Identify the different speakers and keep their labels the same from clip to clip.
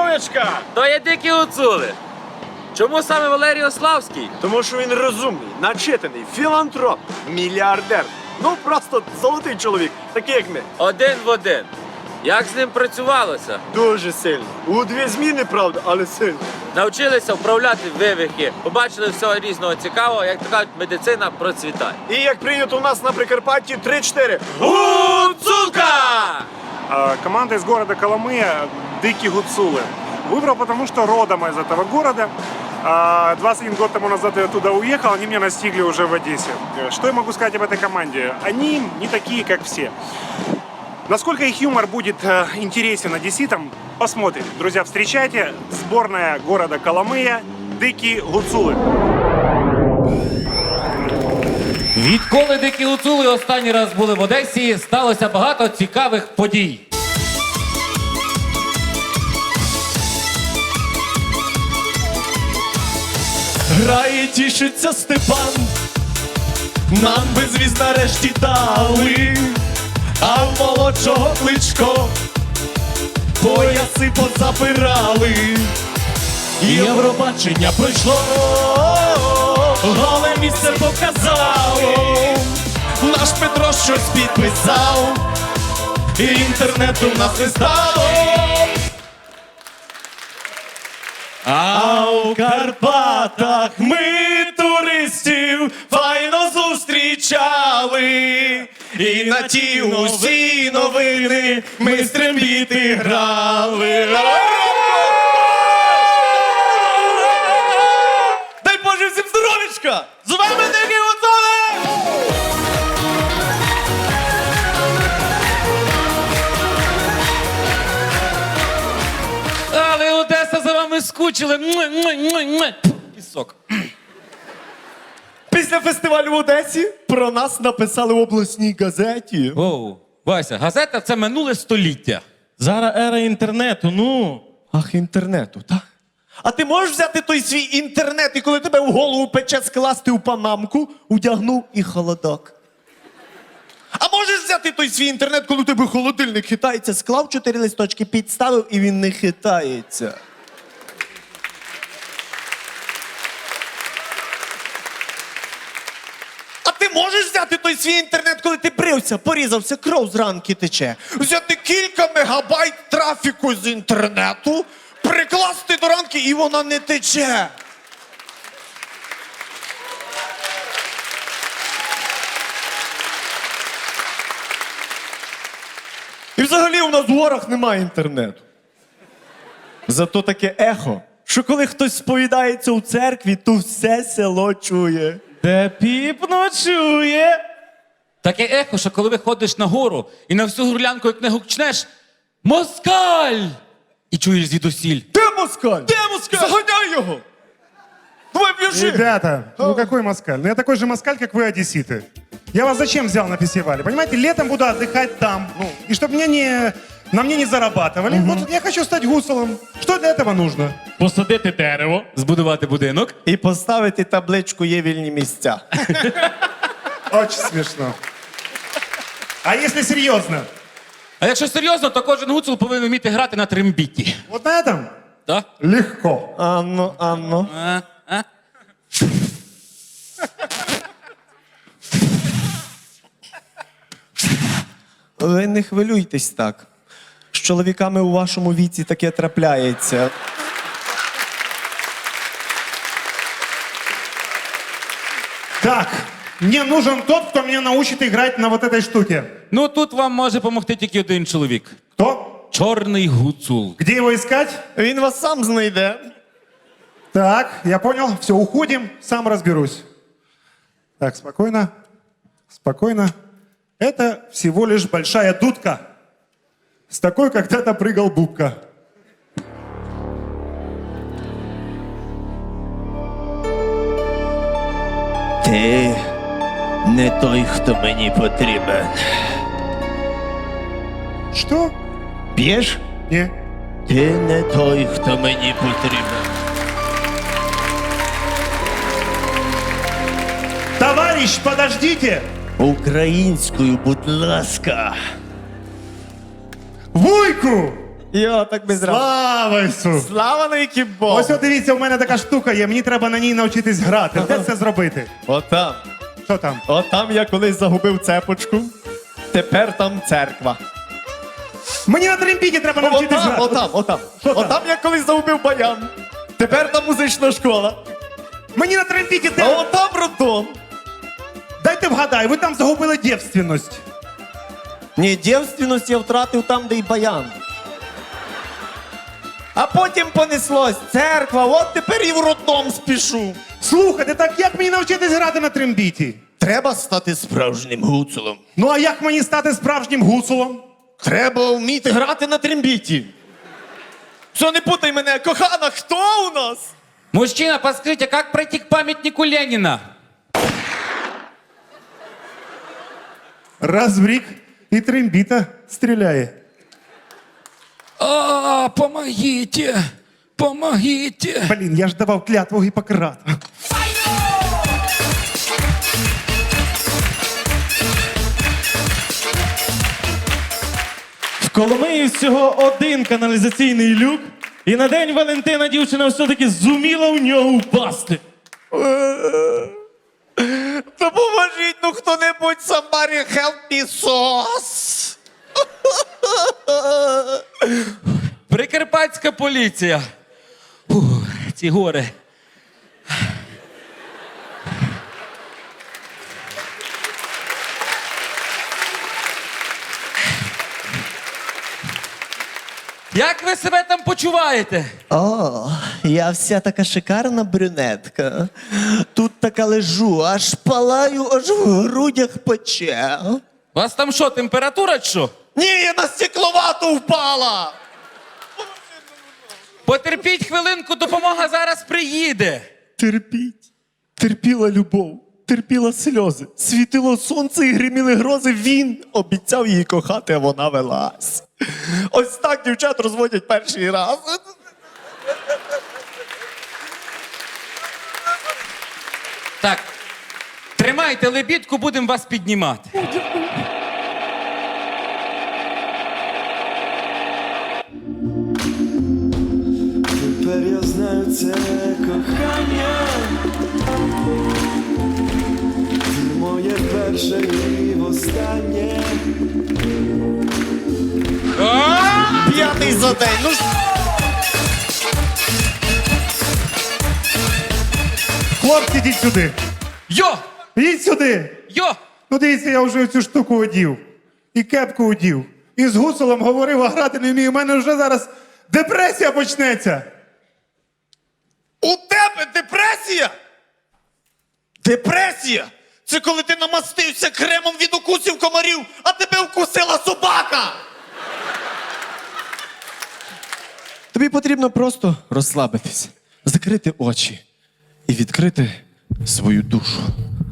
Speaker 1: Здоровечка!
Speaker 2: То є дикі гуцули. Чому саме Валерій Ославський?
Speaker 1: Тому що він розумний, начитаний, філантроп, мільярдер. Ну, просто золотий чоловік, такий як ми.
Speaker 2: Один в один. Як з ним працювалося?
Speaker 1: Дуже сильно. У дві зміни, правда, але сильно.
Speaker 2: Навчилися вправляти вивихи, побачили всього різного цікавого, як то кажуть, медицина процвітає.
Speaker 1: І як прийнято у нас на Прикарпатті, 3-4.
Speaker 2: Гуцулка!
Speaker 3: Команда из города Коломыя «Дикие гуцулы». Выбрал, потому что родом из этого города. 21 год тому назад я туда уехал, они меня настигли уже в Одессе. Что я могу сказать об этой команде? Они не такие, как все. Насколько их юмор будет интересен одесситам, посмотрим. Друзья, встречайте, сборная города Коломыя «Дикие гуцулы».
Speaker 4: Відколи дикі гуцули останній раз були в Одесі, сталося багато цікавих подій.
Speaker 5: Грає, тішиться Степан, нам безвіз нарешті дали, а в молодшого Кличко пояси позабирали. Євробачення пройшло, голе місце показало, наш Петро щось підписав, і інтернету в нас не стало. А у Карпатах ми туристів файно зустрічали, і на ті усі новини ми стрембіти грали. Дай Боже всім здоровечка! З вами Дикі Гуцули!
Speaker 4: Але Одеса за вами скучили. Пісок.
Speaker 5: Після фестивалю в Одесі про нас написали в обласній газеті.
Speaker 4: Оу, Вася, газета – це минуле століття.
Speaker 5: Зараз ера інтернету, ну. Ах, інтернету, так? А ти можеш взяти той свій інтернет і коли тебе в голову пече, скласти у панамку, одягнув і холодок? А можеш взяти той свій інтернет, коли у тебе холодильник хитається, склав 4 листочки, підставив і він не хитається? А ти можеш взяти той свій інтернет, коли ти брився, порізався, кров з ранки тече? Взяти кілька мегабайт трафіку з інтернету, прикласти до ранки і вона не тече. І взагалі у нас в горах немає інтернету. Зато таке ехо, що коли хтось сповідається у церкві, то все село чує. Де піп ночує.
Speaker 4: Таке ехо, що коли виходиш на гору і на всю горлянку, як не гукнеш «Москаль!» і чуєш звідусіль.
Speaker 5: Де москаль? Де москаль? Заганяй його! Давай б'єши!
Speaker 3: Ребята, ну какой москаль? Ну я такой же москаль, как вы, одесситы. Я вас зачем взял на фестивале? Понимаете, летом буду отдыхать там. Ну, и чтобы на мне не зарабатывали. Вот я хочу стать гусолом. Что для этого нужно?
Speaker 4: Посадити дерево, збудувати будинок.
Speaker 5: І поставити табличку «Є вільні місця».
Speaker 3: Очень смешно. А если серьезно?
Speaker 4: А якщо серйозно, то кожен гуцул повинен вміти грати на трембіті.
Speaker 3: Вот на этом
Speaker 4: Так?
Speaker 3: легко.
Speaker 5: Анно, Анно. Ви не хвилюйтесь так. З чоловіками у вашому віці таке трапляється.
Speaker 3: Так, мне нужен тот, кто меня научит играть на вот этой штуке.
Speaker 4: Ну тут вам може допомогти тільки один чоловік.
Speaker 3: Кто?
Speaker 4: Чорний гуцул.
Speaker 3: Где его искать?
Speaker 5: Він вас сам знайде.
Speaker 3: Так, я понял. Все, уходим, сам разберусь. Так, спокойно. Спокойно. Это всего лишь большая дудка. С такой когда-то прыгал Бубка.
Speaker 5: Ти не той, хто мені потрібен.
Speaker 3: Что?
Speaker 5: Б'єш?
Speaker 3: Не.
Speaker 5: Ти не той, хто мені потрібен.
Speaker 3: Товарищ, подождите!
Speaker 5: Українською, будь ласка.
Speaker 3: Вуйку!
Speaker 5: Йо, так без разу.
Speaker 3: Слава Ісусу!
Speaker 5: Слава навіки Богу.
Speaker 3: Ось от дивіться, у мене така штука є, мені треба на ній навчитись грати. Де це зробити?
Speaker 5: Отам.
Speaker 3: Що там?
Speaker 5: Отам я колись загубив цепочку. Тепер там церква.
Speaker 3: Мені на тремпіті треба навчитись
Speaker 5: Отам,
Speaker 3: грати.
Speaker 5: отам.
Speaker 3: Що там?
Speaker 5: Отам я колись загубив баян. Тепер там музична школа.
Speaker 3: Мені на тремпіті
Speaker 5: А
Speaker 3: де?
Speaker 5: отам роддом.
Speaker 3: Дайте вгадаю, ви там загубили дівственність.
Speaker 5: Ні, дівственність я втратив там, де й баян. А потім понеслось церква, от тепер і в роддом спішу.
Speaker 3: Слухайте, так як мені навчитись грати на трембіті?
Speaker 5: Треба стати справжнім гуцулом.
Speaker 3: Ну а як мені стати справжнім гуцулом?
Speaker 5: Треба вміти грати на трембіті. Що, не путай мене, кохана, хто у нас?
Speaker 4: Мужчина, подскажите, как пройти к памятнику Ленина?
Speaker 3: Раз в рік і трембіта стріляє.
Speaker 4: Помогите! Помогите!
Speaker 3: Блін, я ж давав клятву Гіппократа.
Speaker 6: В Коломиї всього один каналізаційний люк, і на День Валентина дівчина все-таки зуміла в нього впасти.
Speaker 5: Допоможіть, ну хто-небудь, somebody help me sauce.
Speaker 4: Прикарпатська поліція. Фух, ці гори. Як ви себе там почуваєте?
Speaker 5: О, я вся така шикарна брюнетка. Тут така лежу, аж палаю, аж в грудях пече.
Speaker 4: У вас там що, температура чи що?
Speaker 5: Ні, я на стекловату впала.
Speaker 4: Потерпіть хвилинку, допомога зараз приїде.
Speaker 5: Терпіть. Терпіла любов, терпіла сльози, світило сонце і гриміли грози. Він обіцяв її кохати, а вона велась. Ось так дівчат розводять перший раз.
Speaker 4: Так, тримайте лебідку, будемо вас піднімати.
Speaker 7: Тепер я знаю це кохання. Ти моє перше і востаннє.
Speaker 5: П'ятий за день. Ну ж.
Speaker 3: Хлопці, йдіть сюди.
Speaker 4: Йо!
Speaker 3: Йдіть сюди.
Speaker 4: Йо!
Speaker 3: Ну дивіться, я вже цю штуку одів. І кепку одів. І з гуцулом говорив, а грати не вмію. У мене вже зараз депресія почнеться.
Speaker 5: У тебе депресія? Депресія? Це коли ти намастився кремом від укусів комарів, а тебе вкусила собака. Тобі потрібно просто розслабитись, закрити очі і відкрити свою душу.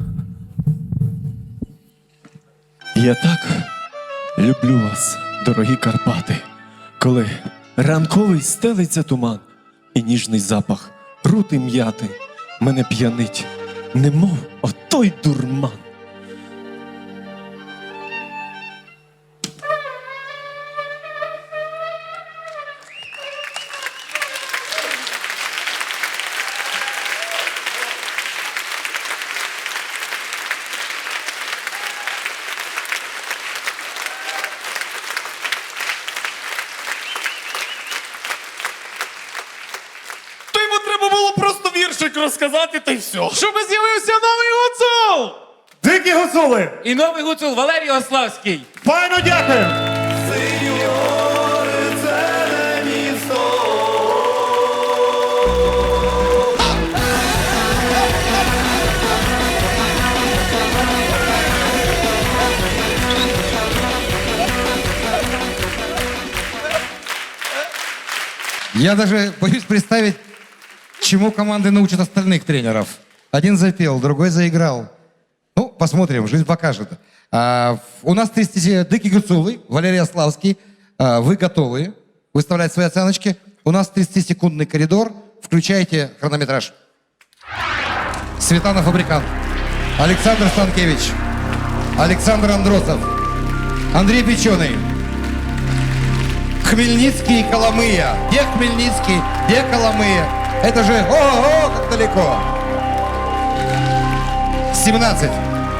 Speaker 5: Я так люблю вас, дорогі Карпати, коли ранковий стелиться туман і ніжний запах рути м'яти мене п'янить, немов отой дурман. То йому треба було просто віршик розказати, та й все.
Speaker 6: Щоб з'явився новий гуцул!
Speaker 3: Дикі гуцули!
Speaker 4: І новий гуцул Валерій Ославський.
Speaker 3: Файно дякую!
Speaker 8: Я даже боюсь представить, чему команды научат остальных тренеров. Один запел, другой заиграл. Ну, посмотрим, жизнь покажет. У нас 30 Дыки Гуцулы, Валерий Ославский. Вы готовы выставлять свои оценочки? У нас 30-секундный коридор. Включайте хронометраж. Светлана Фабрикант, Александр Станкевич, Александр Андросов, Андрей Печеный, Хмельницкий и Коломыя. Где Хмельницкий, где Коломыя? Это же ого, как далеко. 17.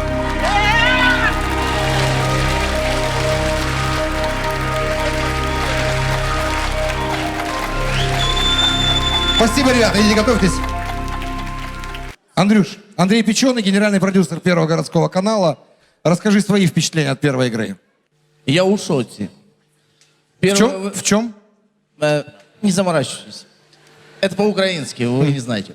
Speaker 8: Спасибо, ребята, идите готовьтесь. Андрюш, Андрей Печеный, генеральный продюсер Первого городского канала. Расскажи свои впечатления от первой игры.
Speaker 9: Я у шоке.
Speaker 8: В чем?
Speaker 9: Не заморачивайтесь. Это по-украински, вы не знаете.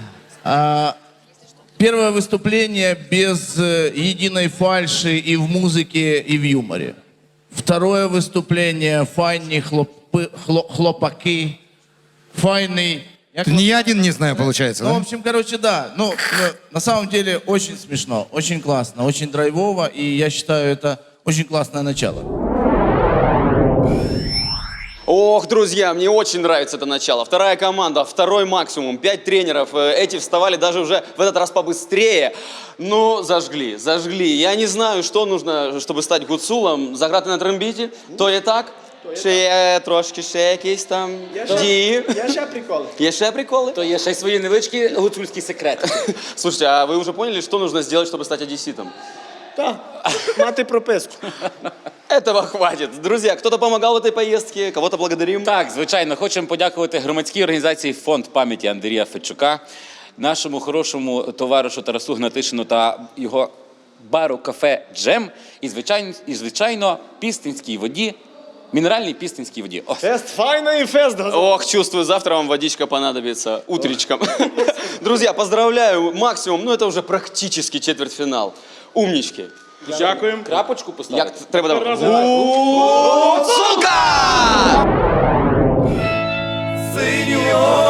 Speaker 9: Первое выступление без единой фальши и в музыке, и в юморе. Второе выступление файні хлопаки, файный...
Speaker 8: Ни один не знаю, получается,
Speaker 9: Ну, в
Speaker 8: да?
Speaker 9: общем, короче, да. Ну, на самом деле, очень смешно, очень классно, очень драйвово, и я считаю, это очень классное начало.
Speaker 10: Ох, друзья, мне очень нравится это начало. Вторая команда, второй максимум, 5 тренеров. Эти вставали даже уже в этот раз побыстрее. Ну, зажгли. Я не знаю, что нужно, чтобы стать гуцулом. Заграти на трембіті, то є так. Чи є трошки ще якісь там дії?
Speaker 1: Я ще приколи.
Speaker 10: Є ще приколи?
Speaker 2: То є ще й свої невеличкі гуцульські секрети.
Speaker 10: Слушайте, а вы уже поняли, что нужно сделать, чтобы стать одесситом?
Speaker 1: Так, мати прописку.
Speaker 10: Этого хватит. Друзья, кто-то помогал в этой поездке, кого-то благодарим.
Speaker 2: Так, звичайно, хочемо подякувати громадській організації «Фонд пам'яті Андрія Федчука», нашому хорошому товаришу Тарасу Гнатишину та його бару «Кафе Джем» і, звичайно, Пістинській воді, мінеральній Пістинській воді. О.
Speaker 1: Фест файний фест.
Speaker 10: Ох, чувствую, завтра вам водичка понадобится утречком. Друзья, поздравляю, максимум, ну это уже практически четвертьфинал. Умнички.
Speaker 1: Дякуємо.
Speaker 2: Крапочку поставити?
Speaker 10: Як треба давати? Гуцулка!
Speaker 7: Синьо